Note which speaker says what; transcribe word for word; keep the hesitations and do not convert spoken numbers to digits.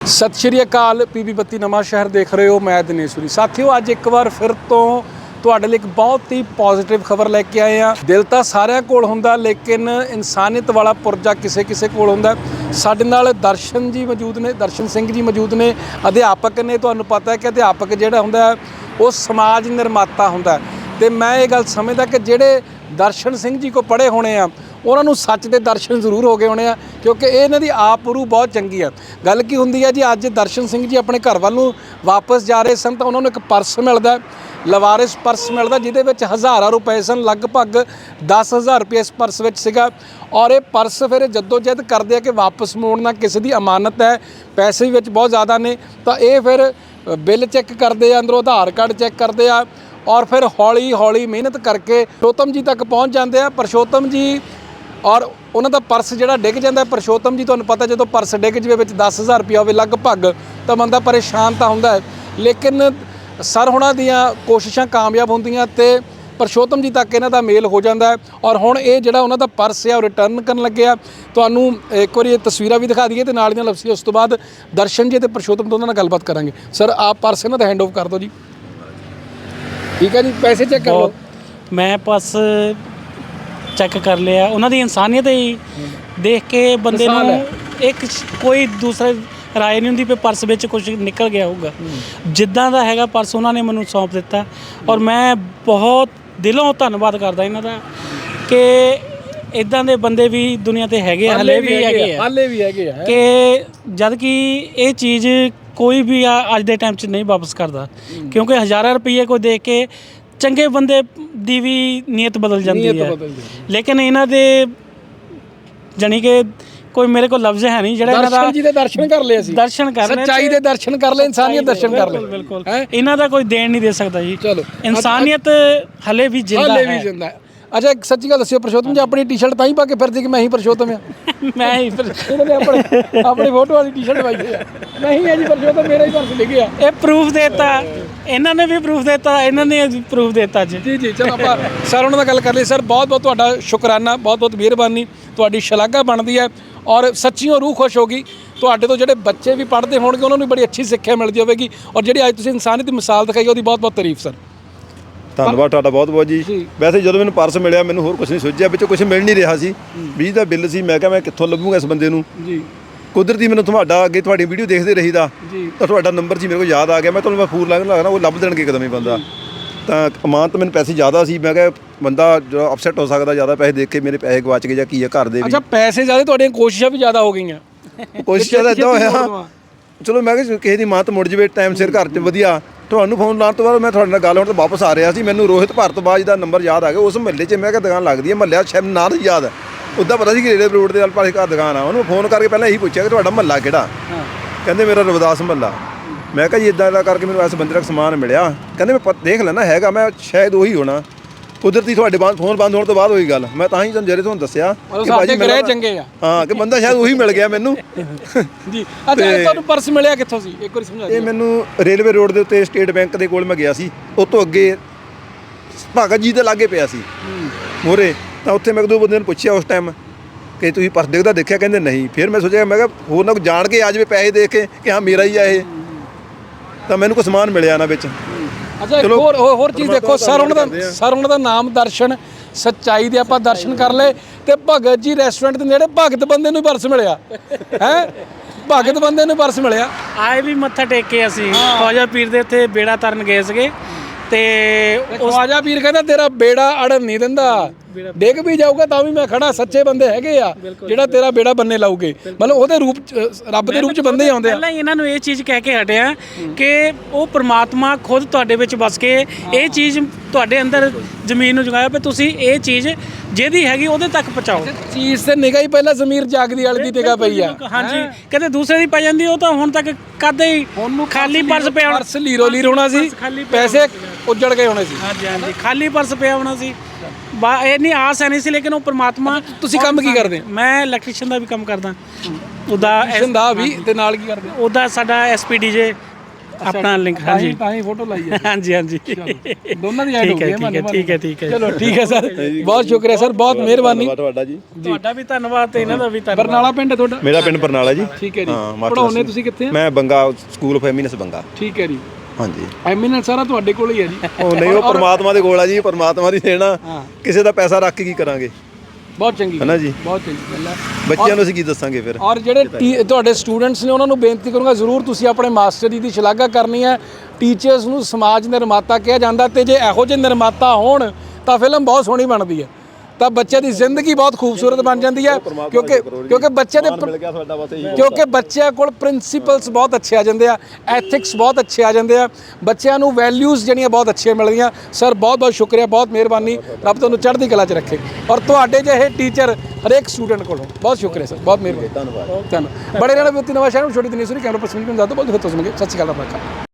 Speaker 1: ਸਤਿ ਸ਼੍ਰੀ ਅਕਾਲ। ਪੀਬੀ ਬੱਤੀ ਨਵਾਂ ਸ਼ਹਿਰ ਦੇਖ ਰਹੇ ਹੋ, ਮੈਂ ਦਿਨੇਸ਼ਵਰੀ। ਸਾਥੀਓ, ਅੱਜ ਇੱਕ ਵਾਰ ਫਿਰ ਤੋਂ ਤੁਹਾਡੇ ਲਈ ਇੱਕ ਬਹੁਤ ਹੀ ਪੋਜ਼ਿਟਿਵ ਖਬਰ ਲੈ ਕੇ ਆਏ ਹਾਂ। ਦਿਲ ਤਾਂ ਸਾਰਿਆਂ ਕੋਲ ਹੁੰਦਾ, ਲੇਕਿਨ ਇਨਸਾਨੀਅਤ ਵਾਲਾ ਪੁਰਜਾ ਕਿਸੇ ਕਿਸੇ ਕੋਲ ਹੁੰਦਾ। ਸਾਡੇ ਨਾਲ ਦਰਸ਼ਨ ਜੀ ਮੌਜੂਦ ਨੇ, ਦਰਸ਼ਨ ਸਿੰਘ ਜੀ ਮੌਜੂਦ ਨੇ, ਅਧਿਆਪਕ ਨੇ। ਤੁਹਾਨੂੰ ਪਤਾ ਹੈ ਕਿ ਅਧਿਆਪਕ ਜਿਹੜਾ ਹੁੰਦਾ ਉਹ ਸਮਾਜ ਨਿਰਮਾਤਾ ਹੁੰਦਾ, ਅਤੇ ਮੈਂ ਇਹ ਗੱਲ ਸਮਝਦਾ ਕਿ ਜਿਹੜੇ ਦਰਸ਼ਨ ਸਿੰਘ ਜੀ ਕੋ ਪੜ੍ਹੇ ਹੋਣੇ ਆ ਉਹਨਾਂ ਨੂੰ ਸੱਚ ਦੇ ਦਰਸ਼ਨ ਜ਼ਰੂਰ ਹੋ ਗਏ ਹੋਣੇ ਆ, ਕਿਉਂਕਿ ਇਹ ਇਹਨਾਂ ਦੀ ਆਪ ਰੂ ਬਹੁਤ ਚੰਗੀ ਆ। ਗੱਲ ਕੀ ਹੁੰਦੀ ਹੈ ਜੀ, ਅੱਜ ਦਰਸ਼ਨ ਸਿੰਘ ਜੀ ਆਪਣੇ ਘਰ ਵੱਲ ਨੂੰ ਵਾਪਸ ਜਾ ਰਹੇ ਸਨ ਤਾਂ ਉਹਨਾਂ ਨੂੰ ਇੱਕ ਪਰਸ ਮਿਲਦਾ, ਲਵਾਰਿਸ ਪਰਸ ਮਿਲਦਾ, ਜਿਹਦੇ ਵਿੱਚ ਹਜ਼ਾਰਾਂ ਰੁਪਏ ਸਨ। ਲਗਭਗ ਦਸ ਹਜ਼ਾਰ ਰੁਪਏ ਇਸ ਪਰਸ ਵਿੱਚ ਸੀਗਾ। ਔਰ ਇਹ ਪਰਸ ਫਿਰ ਜੱਦੋ ਜਹਿਦ ਕਰਦੇ ਆ ਕਿ ਵਾਪਸ ਮੋੜਨਾ, ਕਿਸੇ ਦੀ ਅਮਾਨਤ ਹੈ, ਪੈਸੇ ਵੀ ਵਿੱਚ ਬਹੁਤ ਜ਼ਿਆਦਾ ਨੇ, ਤਾਂ ਇਹ ਫਿਰ ਬਿੱਲ ਚੈੱਕ ਕਰਦੇ ਆ, ਅੰਦਰੋਂ ਆਧਾਰ ਕਾਰਡ ਚੈੱਕ ਕਰਦੇ ਆ, ਔਰ ਫਿਰ ਹੌਲੀ ਹੌਲੀ ਮਿਹਨਤ ਕਰਕੇ ਪਰਸ਼ੋਤਮ ਜੀ ਤੱਕ ਪਹੁੰਚ ਜਾਂਦੇ ਆ। ਪਰਸ਼ੋਤਮ ਜੀ ਔਰ ਉਹਨਾਂ ਦਾ ਪਰਸ ਜਿਹੜਾ ਡਿੱਗ ਜਾਂਦਾ। ਪਰਸ਼ੋਤਮ ਜੀ, ਤੁਹਾਨੂੰ ਪਤਾ ਜਦੋਂ ਪਰਸ ਡਿੱਗ ਜਾਵੇ ਵਿੱਚ ਦਸ ਹਜ਼ਾਰ ਰੁਪਇਆ ਹੋਵੇ ਲਗਭਗ, ਤਾਂ ਬੰਦਾ ਪਰੇਸ਼ਾਨ ਤਾਂ ਹੁੰਦਾ ਹੈ, ਲੇਕਿਨ ਸਰ ਹੁਣਾਂ ਦੀਆਂ ਕੋਸ਼ਿਸ਼ਾਂ ਕਾਮਯਾਬ ਹੁੰਦੀਆਂ ਅਤੇ ਪਰਸ਼ੋਤਮ ਜੀ ਤੱਕ ਇਹਨਾਂ ਦਾ ਮੇਲ ਹੋ ਜਾਂਦਾ ਹੈ। ਔਰ ਹੁਣ ਇਹ ਜਿਹੜਾ ਉਹਨਾਂ ਦਾ ਪਰਸ ਹੈ ਉਹ ਰਿਟਰਨ ਕਰਨ ਲੱਗੇ ਆ। ਤੁਹਾਨੂੰ ਇੱਕ ਵਾਰੀ ਇਹ ਤਸਵੀਰਾਂ ਵੀ ਦਿਖਾ ਦਈਏ ਅਤੇ ਨਾਲ ਦੀਆਂ ਲਫ਼ਜ਼ੀ, ਉਸ ਤੋਂ ਬਾਅਦ ਦਰਸ਼ਨ ਜੀ ਅਤੇ ਪਰਸ਼ੋਤਮ ਤੋਂ ਉਹਨਾਂ ਨਾਲ ਗੱਲਬਾਤ ਕਰਾਂਗੇ। ਸਰ, ਆਪ ਪਰਸ ਇਹਨਾਂ ਦਾ ਹੈਂਡ ਓਵਰ ਕਰ ਦਿਓ ਜੀ। ਠੀਕ ਹੈ ਜੀ, ਪੈਸੇ ਚੈੱਕ ਕਰ ਲਓ।
Speaker 2: ਮੈਂ ਪਰਸ ਚੈੱਕ ਕਰ ਲਿਆ। ਉਹਨਾਂ ਦੀ ਇਨਸਾਨੀਅਤ ਹੀ ਦੇਖ ਕੇ ਬੰਦੇ ਨੂੰ ਇੱਕ ਕੋਈ ਦੂਸਰਾ ਰਾਏ ਨਹੀਂ ਹੁੰਦੀ ਵੀ ਪਰਸ ਵਿੱਚ ਕੁਝ ਨਿਕਲ ਗਿਆ ਹੋਊਗਾ। ਜਿੱਦਾਂ ਦਾ ਹੈਗਾ ਪਰਸ ਉਹਨਾਂ ਨੇ ਮੈਨੂੰ ਸੌਂਪ ਦਿੱਤਾ, ਔਰ ਮੈਂ ਬਹੁਤ ਦਿਲੋਂ ਧੰਨਵਾਦ ਕਰਦਾ ਇਹਨਾਂ ਦਾ ਕਿ ਇੱਦਾਂ ਦੇ ਬੰਦੇ ਵੀ ਦੁਨੀਆ 'ਤੇ ਹੈਗੇ ਆ, ਹਾਲੇ ਵੀ ਹੈਗੇ ਆ, ਹਾਲੇ ਵੀ ਹੈਗੇ ਆ, ਕਿ ਜਦ ਕਿ ਇਹ ਚੀਜ਼ ਕੋਈ ਵੀ ਆ ਅੱਜ ਦੇ ਟਾਈਮ 'ਚ ਨਹੀਂ ਵਾਪਸ ਕਰਦਾ, ਕਿਉਂਕਿ ਹਜ਼ਾਰਾਂ ਰੁਪਈਏ ਕੋਈ ਦੇਖ ਕੇ ਚੰਗੇ ਬੰਦੇ ਦੀ ਵੀ ਨੀਅਤ ਬਦਲ ਜਾਂਦੀ ਹੈ। ਲੇਕਿਨ ਇਹਨਾਂ ਦੇ ਜਾਣੀ ਕਿ ਕੋਈ ਮੇਰੇ ਕੋਲ ਲਫ਼ਜ਼ ਹੈ ਨਹੀਂ ਜਿਹੜਾ ਇਹਨਾਂ ਦਾ
Speaker 1: ਜੀ ਦੇ ਦਰਸ਼ਨ ਕਰ ਲਏ, ਅਸੀਂ ਦਰਸ਼ਨ ਕਰ ਲਏ, ਸੱਚਾਈ ਦੇ ਦਰਸ਼ਨ ਕਰ ਲਏ, ਇਨਸਾਨੀਅਤ ਦਰਸ਼ਨ ਕਰ ਲਏ।
Speaker 2: ਬਿਲਕੁਲ, ਇਹਨਾਂ ਦਾ ਕੋਈ ਦੇਣ ਨਹੀਂ ਦੇ ਸਕਦਾ ਜੀ।
Speaker 1: ਚਲੋ,
Speaker 2: ਇਨਸਾਨੀਅਤ ਹਲੇ ਵੀ ਜਿੰਦਾ
Speaker 1: ਹੈ, ਵੀ ਜਿੰਦਾ ਹੈ। ਅੱਛਾ, ਇੱਕ ਸੱਚੀ ਗੱਲ ਦੱਸਿਓ, ਪਰਸ਼ੋਤਮ ਜੀ ਆਪਣੀ ਟੀ-ਸ਼ਰਟ ਤਾਂ ਹੀ ਪਾ ਕੇ ਫਿਰਦੇ ਕਿ ਮੈਂ ਹੀ ਪਰਸ਼ੋਤਮ ਆ?
Speaker 2: ਮੈਂ ਹੀ
Speaker 1: ਇਹਨਾਂ ਨੇ ਆਪਣੇ ਆਪਣੀ ਫੋਟੋ ਵਾਲੀ ਟੀ-ਸ਼ਰਟ ਪਾਈ ਹੈ। ਨਹੀਂ ਹੈ ਜੀ ਪਰਸ਼ੋਤਮ, ਮੇਰਾ ਹੀ ਪਰਸ ਡਿੱਗਿਆ।
Speaker 2: ਇਹ ਪ੍ਰੂਫ ਦੇਤਾ, ਇਹਨਾਂ ਨੇ ਵੀ ਪ੍ਰੂਫ ਦੇਤਾ, ਇਹਨਾਂ ਨੇ ਪ੍ਰੂਫ ਦੇਤਾ ਜੀ।
Speaker 1: ਜੀ ਜੀ, ਚਲੋ ਆਪਾਂ ਸਰ ਉਹਨਾਂ ਨਾਲ ਗੱਲ ਕਰ ਲਈ। ਸਰ, ਬਹੁਤ ਬਹੁਤ ਤੁਹਾਡਾ ਸ਼ੁਕਰਾਨਾ, ਬਹੁਤ ਬਹੁਤ ਮਿਹਰਬਾਨੀ, ਤੁਹਾਡੀ ਸ਼ਲਾਘਾ ਬਣਦੀ ਹੈ। ਔਰ ਸੱਚੀਓ ਰੂਹ ਖੁਸ਼ ਹੋਗੀ। ਤੁਹਾਡੇ ਤੋਂ ਜਿਹੜੇ ਬੱਚੇ ਵੀ ਪੜ੍ਹਦੇ ਹੋਣਗੇ ਉਹਨਾਂ ਨੂੰ ਬੜੀ ਅੱਛੀ ਸਿੱਖਿਆ ਮਿਲਦੀ ਹੋਵੇਗੀ, ਔਰ ਜਿਹੜੀ ਅੱਜ ਤੁਸੀਂ ਇਨਸਾਨੀਅਤ ਦੀ ਮਿਸਾਲ ਦਿਖਾਈ ਉਹਦੀ ਬਹੁਤ ਬਹੁਤ ਤਾਰੀਫ। ਸਰ,
Speaker 3: ਧੰਨਵਾਦ ਤੁਹਾਡਾ ਬਹੁਤ ਬਹੁਤ ਜੀ। ਵੈਸੇ ਜਦੋਂ ਮੈਨੂੰ ਪਰਸ ਮਿਲਿਆ ਮੈਨੂੰ ਹੋਰ ਕੁਝ ਨਹੀਂ ਸੋਚਿਆ, ਵਿੱਚੋਂ ਕੁਝ ਮਿਲ ਨਹੀਂ ਰਿਹਾ ਸੀ। ਬਿਜਲੀ ਦਾ ਬਿੱਲ ਸੀ। ਮੈਂ ਕਿਹਾ ਮੈਂ ਕਿੱਥੋਂ ਲੱਭੂਗਾ ਇਸ ਬੰਦੇ ਨੂੰ ਜੀ। ਕੁਦਰਤੀ ਮੈਨੂੰ ਤੁਹਾਡਾ ਅੱਗੇ ਤੁਹਾਡੀ ਵੀਡੀਓ ਦੇਖਦੇ ਰਹੀਦਾ ਤਾਂ ਤੁਹਾਡਾ ਨੰਬਰ ਸੀ ਮੇਰੇ ਕੋਲ ਯਾਦ ਆ ਗਿਆ। ਮੈਂ ਤੁਹਾਨੂੰ ਮੈਂ ਫੋਨ ਲੱਗਣਾ ਲੱਗਣਾ ਉਹ ਲੱਭ ਦੇਣਗੇ ਇੱਕਦਮ ਹੀ ਬੰਦਾ। ਤਾਂ ਅਮਾਨਤ ਮੈਨੂੰ ਪੈਸੇ ਜ਼ਿਆਦਾ ਸੀ। ਮੈਂ ਕਿਹਾ ਬੰਦਾ ਜੋ ਅਪਸੈਟ ਹੋ ਸਕਦਾ, ਜ਼ਿਆਦਾ ਪੈਸੇ ਦੇਖ ਕੇ ਮੇਰੇ ਪੈਸੇ ਗਵਾਚ ਗਏ ਜਾਂ ਕੀ ਹੈ ਘਰ ਦੇ ਵੀ।
Speaker 1: ਅੱਛਾ, ਪੈਸੇ ਜ਼ਿਆਦਾ, ਤੁਹਾਡੀਆਂ ਕੋਸ਼ਿਸ਼ਾਂ ਵੀ ਜ਼ਿਆਦਾ ਹੋ ਗਈਆਂ।
Speaker 3: ਕੋਸ਼ਿਸ਼ਾਂ ਦਾ ਇੱਦਾਂ ਹੋਇਆ, ਚਲੋ ਮੈਂ ਕਿਹਾ ਕਿਸੇ ਦੀ ਮਾਤ ਮੁੜ ਜਾਵੇ ਟਾਈਮ ਸਿਰ ਘਰ 'ਚ ਵਧੀਆ। ਤੁਹਾਨੂੰ ਫੋਨ ਲਾਉਣ ਤੋਂ ਬਾਅਦ ਮੈਂ ਤੁਹਾਡੇ ਨਾਲ ਗੱਲ ਹੋਣ ਤੋਂ ਵਾਪਸ ਆ ਰਿਹਾ ਸੀ, ਮੈਨੂੰ ਰੋਹਿਤ ਭਾਰਤਵਾਜ ਦਾ ਨੰਬਰ ਯਾਦ ਆ ਗਿਆ। ਉਸ ਮਹੱਲੇ 'ਚ ਮੈਂ ਕਿਹਾ ਦੁਕਾਨ ਲੱਗਦੀ ਹੈ, ਮਹੱਲਿਆ ਸ਼ਾਇਦ ਨਾਂ ਨਹੀਂ ਯਾਦ, ਉੱਦਾਂ ਪਤਾ ਸੀ ਕਿ ਰੇਲਵੇ ਰੋਡ ਦੇ ਨਾਲ ਪਾਸੇ ਘਰ ਦੁਕਾਨ ਆ। ਉਹਨੂੰ ਫੋਨ ਕਰਕੇ ਪਹਿਲਾਂ ਇਹੀ ਪੁੱਛਿਆ ਕਿ ਤੁਹਾਡਾ ਮਹੱਲਾ ਕਿਹੜਾ? ਕਹਿੰਦੇ ਮੇਰਾ ਰਵਿਦਾਸ ਮਹੱਲਾ। ਮੈਂ ਕਿਹਾ ਜੀ ਇੱਦਾਂ ਦਾ ਕਰਕੇ ਮੈਨੂੰ ਇਸ ਬੰਦੇ ਦਾ ਸਮਾਨ ਮਿਲਿਆ। ਕਹਿੰਦੇ ਮੈਂ ਦੇਖ ਲੈਣਾ ਹੈਗਾ, ਮੈਂ ਸ਼ਾਇਦ ਉਹੀ ਹੋਣਾ। ਕੁਦਰਤੀ ਤੁਹਾਡੇ ਬਾਅਦ ਫੋਨ ਬੰਦ ਹੋਣ ਤੋਂ ਬਾਅਦ ਉਹੀ ਗੱਲ, ਮੈਂ ਤਾਂ ਹੀ ਤੁਹਾਨੂੰ ਜਿਹੜੇ ਤੁਹਾਨੂੰ ਦੱਸਿਆ ਕਿ ਭਾਜੀ ਮੇਰੇ
Speaker 1: ਚੰਗੇ ਆ, ਹਾਂ,
Speaker 3: ਕਿ ਬੰਦਾ ਸ਼ਾਇਦ ਉਹੀ ਮਿਲ ਗਿਆ ਮੈਨੂੰ
Speaker 1: ਜੀ। ਅੱਛਾ, ਤੁਹਾਨੂੰ ਪਰਸ ਮਿਲਿਆ ਕਿੱਥੋਂ ਸੀ, ਇੱਕ ਵਾਰੀ ਸਮਝਾ ਦਿਓ।
Speaker 3: ਇਹ ਮੈਨੂੰ ਰੇਲਵੇ ਰੋਡ ਦੇ ਉੱਤੇ ਸਟੇਟ ਬੈਂਕ ਦੇ ਕੋਲ ਮੈਂ ਗਿਆ ਸੀ, ਉਹ ਤੋਂ ਅੱਗੇ ਭਗਤ ਜੀ ਦੇ ਲਾਗੇ ਪਿਆ ਸੀ ਮੋਰੇ। ਤਾਂ ਉੱਥੇ ਮੈਂ ਇੱਕ ਦੋ ਬੰਦੇ ਨੂੰ ਪੁੱਛਿਆ ਉਸ ਟਾਈਮ ਕਿ ਤੁਸੀਂ ਪਰਸ ਡਿੱਗਦਾ ਦੇਖਿਆ? ਕਹਿੰਦੇ ਨਹੀਂ। ਫਿਰ ਮੈਂ ਸੋਚਿਆ, ਮੈਂ ਕਿਹਾ ਹੋਰ ਨਾ ਜਾਣ ਕੇ ਆ ਜਾਵੇ ਪੈਸੇ ਦੇਖ ਕੇ ਕਿ ਹਾਂ ਮੇਰਾ ਹੀ ਆ ਇਹ। ਤਾਂ ਮੈਨੂੰ ਕੋਈ ਸਮਾਨ ਮਿਲਿਆ ਨਾ ਵਿੱਚ।
Speaker 1: ਅੱਛਾ, ਇੱਕ ਹੋਰ ਹੋਰ ਚੀਜ਼ ਦੇਖੋ, ਸਰ ਉਹਨਾਂ ਦਾ ਸਰ ਉਹਨਾਂ ਦਾ ਨਾਮ ਦਰਸ਼ਨ, ਸੱਚਾਈ ਦੇ ਆਪਾਂ ਦਰਸ਼ਨ ਕਰ ਲਏ, ਤੇ ਭਗਤ ਜੀ ਰੈਸਟੋਰੈਂਟ ਦੇ ਨੇੜੇ ਭਗਤ ਬੰਦੇ ਨੂੰ ਪਰਸ ਮਿਲਿਆ ਹੈ। ਭਗਤ ਬੰਦੇ ਨੂੰ ਪਰਸ ਮਿਲਿਆ।
Speaker 2: ਆਏ ਵੀ ਮੱਥਾ ਟੇਕ ਕੇ ਅਸੀਂ ਖਵਾਜਾ ਪੀਰ ਦੇ ਉੱਥੇ ਬੇੜਾ ਤਰਨ ਗਏ ਸੀਗੇ, ਤੇ
Speaker 1: ਖਵਾਜਾ ਪੀਰ ਕਹਿੰਦਾ ਤੇਰਾ ਬੇੜਾ ਅੜਨ ਨਹੀਂ ਦਿੰਦਾ, ਡਿੱਗ ਵੀ ਜਾਊਗਾ ਤਾਂ ਵੀ ਮੈਂ ਖੜਾ। ਸੱਚੇ ਬੰਦੇ ਹੈਗੇ ਆ ਜਿਹੜਾ ਤੇਰਾ ਬੇੜਾ ਬੰਨੇ ਲਾਉਗੇ, ਮਤਲਬ ਉਹਦੇ ਰੂਪ ਰੱਬ ਦੇ ਰੂਪ 'ਚ ਬੰਦੇ ਹੀ ਆਉਂਦੇ ਆ।
Speaker 2: ਪਹਿਲਾਂ ਇਹਨਾਂ ਨੂੰ ਇਹ ਚੀਜ਼ ਕਹਿ ਕੇ ਹਟਿਆ ਕਿ ਉਹ ਪ੍ਰਮਾਤਮਾ ਖੁਦ ਤੁਹਾਡੇ ਵਿੱਚ ਵਸ ਕੇ ਇਹ ਚੀਜ਼ ਤੁਹਾਡੇ ਅੰਦਰ ਜ਼ਮੀਨ ਨੂੰ ਜਗਾਇਆ, ਵੀ ਤੁਸੀਂ ਇਹ ਚੀਜ਼ ਜਿਹਦੀ ਹੈਗੀ ਉਹਦੇ ਤੱਕ ਪਹੁੰਚਾਓ।
Speaker 1: ਚੀਜ਼ ਤੇ ਨਿਗਾਹ ਹੀ ਪਹਿਲਾਂ ਜ਼ਮੀਰ ਜਾਗਦੀ ਵਾਲੀ ਦੀ ਨਿਗਾਹ ਪਈ ਆ।
Speaker 2: ਹਾਂਜੀ, ਕਹਿੰਦੇ ਦੂਸਰੇ ਦੀ ਪੈ ਜਾਂਦੀ, ਉਹ ਤਾਂ ਹੁਣ ਤੱਕ ਕਦੇ ਹੀ ਖਾਲੀ ਪਰਸ ਪਿਆ,
Speaker 1: ਪਰਸ ਲੀਰੋ ਲੀਰ ਹੋਣਾ ਸੀ, ਪੈਸੇ ਉੱਜੜ ਗਏ ਹੋਣੇ ਸੀ।
Speaker 2: ਹਾਂਜੀ ਹਾਂਜੀ, ਖਾਲੀ ਪਰਸ ਪਿਆ ਹੋਣਾ ਸੀ। ਬਾ ਇੰਨੀ ਆਸ ਹੈ ਨਹੀਂ ਸੀ, ਲੇਕਿਨ ਉਹ ਪ੍ਰਮਾਤਮਾ।
Speaker 1: ਤੁਸੀਂ ਕੰਮ ਕੀ ਕਰਦੇ?
Speaker 2: ਮੈਂ ਇਲੈਕਟ੍ਰੀਸ਼ੀਅਨ ਦਾ ਵੀ ਕੰਮ ਕਰਦਾ, ਉਹਦਾ
Speaker 1: ਦਾ ਵੀ, ਤੇ ਨਾਲ ਕੀ ਕਰਦੇ?
Speaker 2: ਉਹਦਾ ਸਾਡਾ ਐਸ ਪੀ ਡੀ ਜੇ ਆਪਣਾ ਲਿੰਕ
Speaker 1: ਤਾਂ ਹੀ
Speaker 2: ਹਾਂਜੀ
Speaker 1: ਤਾਂ ਹੀ ਫੋਟੋ ਲਾਈ ਹੈ
Speaker 2: ਹਾਂਜੀ ਹਾਂਜੀ
Speaker 1: ਦੋਨਾਂ ਦੀ ਐਡ ਹੋ
Speaker 2: ਠੀਕ
Speaker 1: ਗਈ
Speaker 2: ਹੈ
Speaker 1: ਹੈ
Speaker 2: ਠੀਕ ਹੈ ਠੀਕ ਹੈ ਠੀਕ ਹੈ
Speaker 1: ਚਲੋ ਠੀਕ ਹੈ ਸਰ ਬਹੁਤ ਸ਼ੁਕਰੀਆ ਸਰ ਬਹੁਤ ਮਿਹਰਬਾਨੀ
Speaker 3: ਤੁਹਾਡਾ ਜੀ
Speaker 2: ਤੁਹਾਡਾ ਵੀ ਧੰਨਵਾਦ ਤੇ ਇਹਨਾਂ ਦਾ ਵੀ ਧੰਨਵਾਦ
Speaker 1: ਬਰਨਾਲਾ ਪਿੰਡ ਹੈ ਤੁਹਾਡਾ
Speaker 3: ਮੇਰਾ ਪਿੰਡ ਬਰਨਾਲਾ ਜੀ
Speaker 1: ਠੀਕ ਹੈ ਜੀ
Speaker 3: ਹਾਂ, ਮਾਸਟਰ
Speaker 1: ਪੜਾਉਨੇ ਤੁਸੀਂ ਕਿੱਥੇ ਆ
Speaker 3: ਮੈਂ Banga school of eminence Banga
Speaker 1: ਠੀਕ ਹੈ ਜੀ
Speaker 3: ਹਾਂਜੀ
Speaker 1: ਐਮੀਨੈਂਸ ਸਾਰਾ ਤੁਹਾਡੇ ਕੋਲ ਹੀ ਹੈ ਜੀ
Speaker 3: ਉਹ ਨਹੀਂ ਉਹ ਪਰਮਾਤਮਾ ਦੇ ਕੋਲ ਆ ਜੀ ਪਰਮਾਤਮਾ ਦੀ ਦੇਣਾ
Speaker 1: ਹਾਂ।
Speaker 3: ਕਿਸੇ ਦਾ ਪੈਸਾ ਰੱਖ ਕੇ ਕੀ ਕਰਾਂਗੇ
Speaker 1: ਬਹੁਤ ਚੰਗੀ
Speaker 3: ਹੈ ਨਾ ਜੀ
Speaker 1: ਬਹੁਤ ਚੰਗੀ ਗੱਲ ਹੈ
Speaker 3: ਬੱਚਿਆਂ ਨੂੰ ਅਸੀਂ ਕੀ ਦੱਸਾਂਗੇ ਫਿਰ
Speaker 1: ਔਰ ਜਿਹੜੇ ਟੀ- ਤੁਹਾਡੇ ਸਟੂਡੈਂਟਸ ਨੇ ਉਹਨਾਂ ਨੂੰ ਬੇਨਤੀ ਕਰੂੰਗਾ ਜ਼ਰੂਰ ਤੁਸੀਂ ਆਪਣੇ ਮਾਸਟਰ ਜੀ ਦੀ ਸ਼ਲਾਘਾ ਕਰਨੀ ਹੈ ਟੀਚਰਸ ਨੂੰ ਸਮਾਜ ਨਿਰਮਾਤਾ ਕਿਹਾ ਜਾਂਦਾ ਤੇ ਜੇ ਇਹੋ ਜਿਹੇ ਨਿਰਮਾਤਾ ਹੋਣ ਤਾਂ ਫਿਲਮ ਬਹੁਤ ਸੋਹਣੀ ਬਣਦੀ ਹੈ ਤਾਂ ਬੱਚੇ ਦੀ ਜ਼ਿੰਦਗੀ ਬਹੁਤ ਖੂਬਸੂਰਤ ਬਣ ਜਾਂਦੀ ਹੈ ਕਿਉਂਕਿ ਕਿਉਂਕਿ ਬੱਚੇ ਦੇ
Speaker 3: ਮਿਲ ਗਿਆ ਤੁਹਾਡਾ ਬਸ ਇਹੀ
Speaker 1: ਕਿਉਂਕਿ ਬੱਚਿਆਂ ਕੋਲ ਪ੍ਰਿੰਸੀਪਲਸ ਬਹੁਤ ਅੱਛੇ ਆ ਜਾਂਦੇ ਆ ਐਥਿਕਸ ਬਹੁਤ ਅੱਛੇ ਆ ਜਾਂਦੇ ਆ ਬੱਚਿਆਂ ਨੂੰ ਵੈਲਿਊਜ਼ ਜਿਹੜੀਆਂ ਬਹੁਤ ਅੱਛੀਆਂ ਮਿਲਦੀਆਂ ਸਰ ਬਹੁਤ ਬਹੁਤ ਸ਼ੁਕਰੀਆ ਬਹੁਤ ਮਿਹਰਬਾਨੀ ਰੱਬ ਤੁਹਾਨੂੰ ਚੜ੍ਹਦੀ ਕਲਾ 'ਚ ਰੱਖੇ ਔਰ ਤੁਹਾਡੇ ਜਿਹੇ ਟੀਚਰ ਹਰੇਕ ਸਟੂਡੈਂਟ ਕੋਲੋਂ ਬਹੁਤ ਸ਼ੁਕਰੀਆ ਸਰ ਬਹੁਤ ਮਿਹਰਬਾਨੀ
Speaker 3: ਧੰਨਵਾਦ
Speaker 1: ਧੰਨਵਾਦ ਬੜੇ ਰਹਿਣਾ ਬਿੱਤੀ ਨਵਾਂ ਸ਼ਹਿਰ ਨੂੰ ਛੋਟੀ ਦਿਨੀ ਸੁਣੀ ਕੈਮਰਾ ਪਰਸਨ ਨੂੰ ਜ਼ਿਆਦਾ ਬਹੁਤ ਬਹੁਤ ਸੁਣਗੇ ਸਤਿ ਸ਼੍ਰੀ ਅਕਾਲ